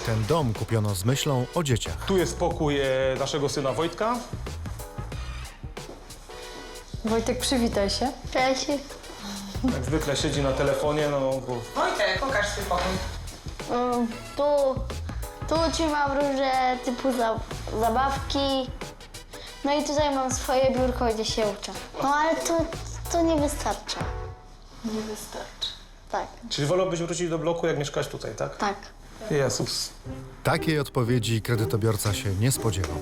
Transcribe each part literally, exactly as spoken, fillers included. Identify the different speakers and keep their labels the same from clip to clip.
Speaker 1: Ten dom kupiono z myślą o dzieciach.
Speaker 2: Tu jest pokój e, naszego syna Wojtka.
Speaker 3: Wojtek, przywitaj się.
Speaker 4: Cześć.
Speaker 2: Jak zwykle siedzi na telefonie, no bo
Speaker 5: Wojtek, pokaż swój pokój.
Speaker 4: Um, tu, tu trzymam różne typu za, zabawki. No i tutaj mam swoje biurko, gdzie się uczę. No ale to, to nie wystarcza.
Speaker 3: Nie wystarczy.
Speaker 4: Tak,
Speaker 2: Czyli wolałbyś wrócić do bloku, jak mieszkać tutaj, tak?
Speaker 4: tak.
Speaker 2: Jezus.
Speaker 1: Takiej odpowiedzi kredytobiorca się nie spodziewał.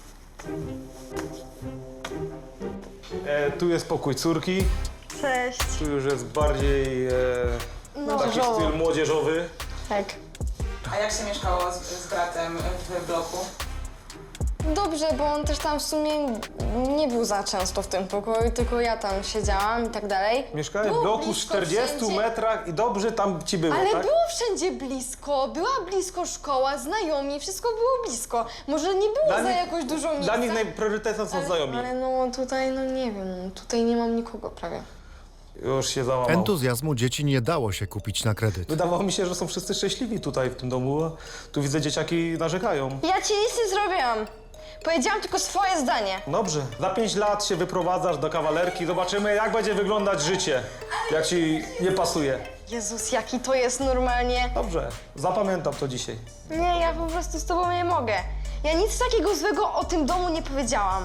Speaker 2: E, tu jest pokój córki.
Speaker 3: Cześć.
Speaker 2: Tu już jest bardziej e, taki
Speaker 3: Młodzieżowo.
Speaker 2: styl młodzieżowy.
Speaker 4: Tak.
Speaker 5: A jak się mieszkało z, z bratem w bloku?
Speaker 6: Dobrze, bo on też tam w sumie nie był za często w tym pokoju, tylko ja tam siedziałam i tak dalej.
Speaker 2: Mieszkałeś w
Speaker 6: Było
Speaker 2: bloku w
Speaker 6: blisko
Speaker 2: czterdziestu
Speaker 6: wszędzie.
Speaker 2: metrach i dobrze tam ci było,
Speaker 6: Ale
Speaker 2: tak?
Speaker 6: było wszędzie blisko, była blisko szkoła, znajomi, wszystko było blisko. Może nie było
Speaker 2: Dla
Speaker 6: za
Speaker 2: nich-
Speaker 6: jakoś dużo miejsca.
Speaker 2: Dla nich najpriorytetem są
Speaker 6: ale,
Speaker 2: znajomi.
Speaker 6: ale no tutaj, no nie wiem, tutaj nie mam nikogo prawie.
Speaker 2: Już się załamał.
Speaker 1: Entuzjazmu dzieci nie dało się kupić na kredyt.
Speaker 2: Wydawało mi się, że są wszyscy szczęśliwi tutaj w tym domu, a tu widzę, dzieciaki narzekają.
Speaker 6: Ja ci nic nie zrobiłam. Powiedziałam tylko swoje zdanie.
Speaker 2: Dobrze, za pięć lat się wyprowadzasz do kawalerki, zobaczymy, jak będzie wyglądać życie, jak ci nie pasuje.
Speaker 6: Jezus, jaki to jest normalnie.
Speaker 2: Dobrze, zapamiętam to dzisiaj.
Speaker 6: Nie, ja po prostu z tobą nie mogę. Ja nic takiego złego o tym domu nie powiedziałam.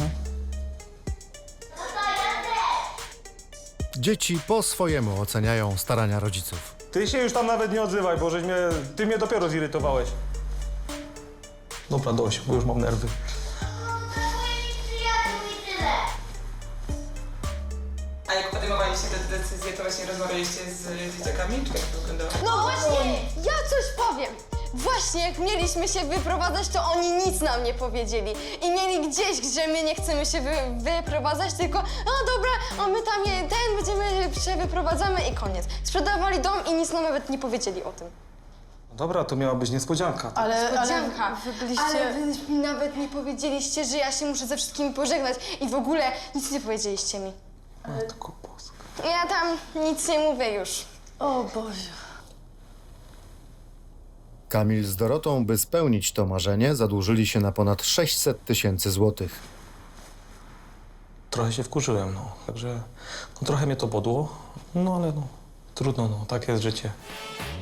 Speaker 1: Dzieci po swojemu oceniają starania rodziców.
Speaker 2: Ty się już tam nawet nie odzywaj, bo żeś mnie, ty mnie dopiero zirytowałeś. Dobra, dość, bo już mam nerwy.
Speaker 5: A jak podejmowaliście te decyzje, to właśnie rozmawialiście z dzieciakami? Czy jak to wyglądało?
Speaker 6: No właśnie, ja coś powiem. Właśnie jak mieliśmy się wyprowadzać, to oni nic nam nie powiedzieli. I mieli gdzieś, gdzie my nie chcemy się wy, wyprowadzać, tylko no dobra, a my tam je, ten będziemy się wyprowadzamy i koniec. Sprzedawali dom i nic nam nawet nie powiedzieli o tym.
Speaker 2: Dobra, to miała być niespodzianka.
Speaker 3: Ale, ale
Speaker 6: Niespodzianka.
Speaker 3: wy byliście...
Speaker 6: Ale wy mi nawet nie powiedzieliście, że ja się muszę ze wszystkimi pożegnać i w ogóle nic nie powiedzieliście mi.
Speaker 2: Matko Boska.
Speaker 6: Ja tam nic nie mówię już.
Speaker 3: O Boże.
Speaker 1: Kamil z Dorotą, by spełnić to marzenie, zadłużyli się na ponad sześćset tysięcy złotych.
Speaker 2: Trochę się wkurzyłem, no. Także no, trochę mnie to podło, no ale no, trudno, no, tak jest życie.